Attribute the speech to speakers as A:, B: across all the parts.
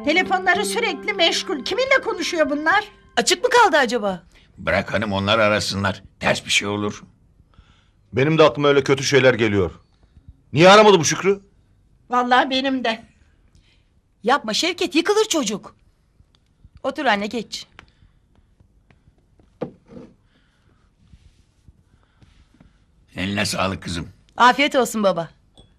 A: Telefonları sürekli meşgul. Kiminle konuşuyor bunlar?
B: Açık mı kaldı acaba?
C: Bırak hanım, onlar arasınlar. Ters bir şey olur.
D: Benim de aklıma öyle kötü şeyler geliyor. Niye aramadı bu Şükrü?
A: Vallahi benim de.
B: Yapma Şevket, yıkılır çocuk. Otur anne, geç.
C: Eline sağlık kızım.
B: Afiyet olsun baba.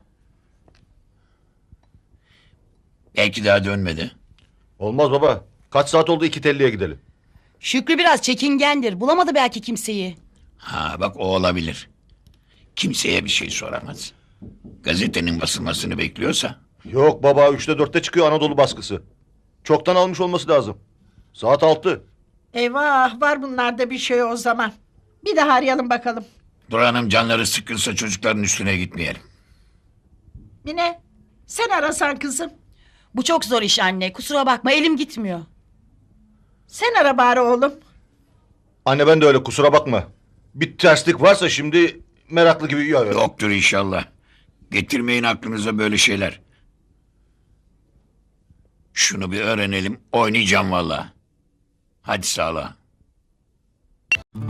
C: Belki daha dönmedi.
D: Olmaz baba. Kaç saat oldu, iki telliye gidelim.
B: Şükrü biraz çekingendir. Bulamadı belki kimseyi.
C: Ha bak, o olabilir. Kimseye bir şey soramaz. Gazetenin basılmasını bekliyorsa.
D: Yok baba, 3'te 4'te çıkıyor Anadolu baskısı. Çoktan almış olması lazım. Saat 6.
A: Eyvah, var bunlarda bir şey o zaman. Bir daha arayalım bakalım.
C: Dur hanım, canları sıkılsa çocukların üstüne gitmeyelim.
A: Mine, sen arasan kızım.
B: Bu çok zor iş anne. Kusura bakma, elim gitmiyor.
A: Sen ara bari oğlum.
D: Anne ben de öyle, kusura bakma. Bir terslik varsa şimdi meraklı gibi...
C: Yoktur inşallah. Getirmeyin aklınıza böyle şeyler. Şunu bir öğrenelim. Oynayacağım vallahi. Hadi sağla.